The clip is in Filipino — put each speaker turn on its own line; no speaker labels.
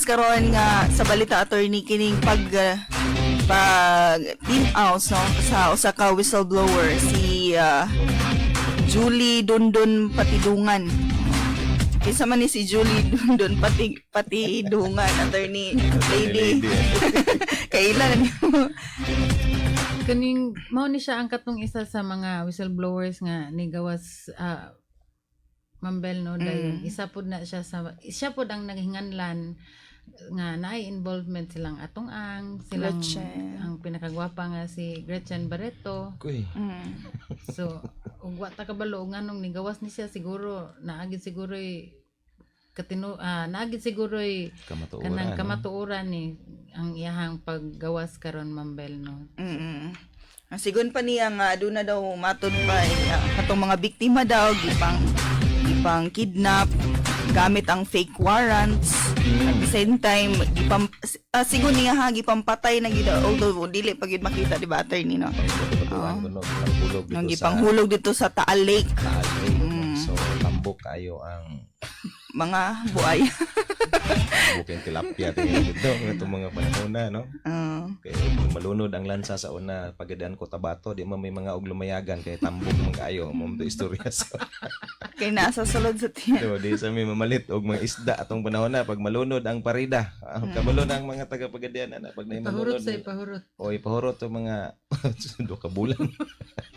karon nga sa balita attorney kining pag team outs no sa usa ka whistleblower si Julie Dundon Patidungan. Kisa man ni si Julie Dundon Patidungan attorney lady. Kailan
Kaning mao ni siya ang katong isa sa mga whistleblowers nga ni gawas Mambel no dayon isa pud na siya pud ang naghinganlan nga naay involvement silang atong silang
Gretchen.
ang pinakagwapa nga si Gretchen Barreto.
Kuy.
So ug wa ta kabalo nganong nigawas ni siya siguro naagid siguro naagid siguro
Kamatuoran.
kanang kamatuoran ni ang iyahang paggawas karon Mambel no.
Sigon pa niya nga aduna daw matod pa katong mga biktima daw gipang kidnap gamit ang fake warrants. At the same time sigon niya gipampatay na gid although dili pa gid makita di ba attorney no. Nang gipanghulog dito sa Taal Lake.
So tambok kayo ang
Mga buay.
bukeng tilapia dito itong mga panahon na no. Kaya kung malunod ang lansa sa una pagadaan ko Tabato di man may mga og lumayagan kay tambok man kaayo mo to istorya sa
Kay nasa sulod sa tiyan.
so, di sa may mamalit og mga isda atong panahon na pag malunod ang parida kabalo na ang mga taga Pagadian na pag
Pahurot
nahimulunod
sa ipahurot.
o ipahurot to mga do ka bulan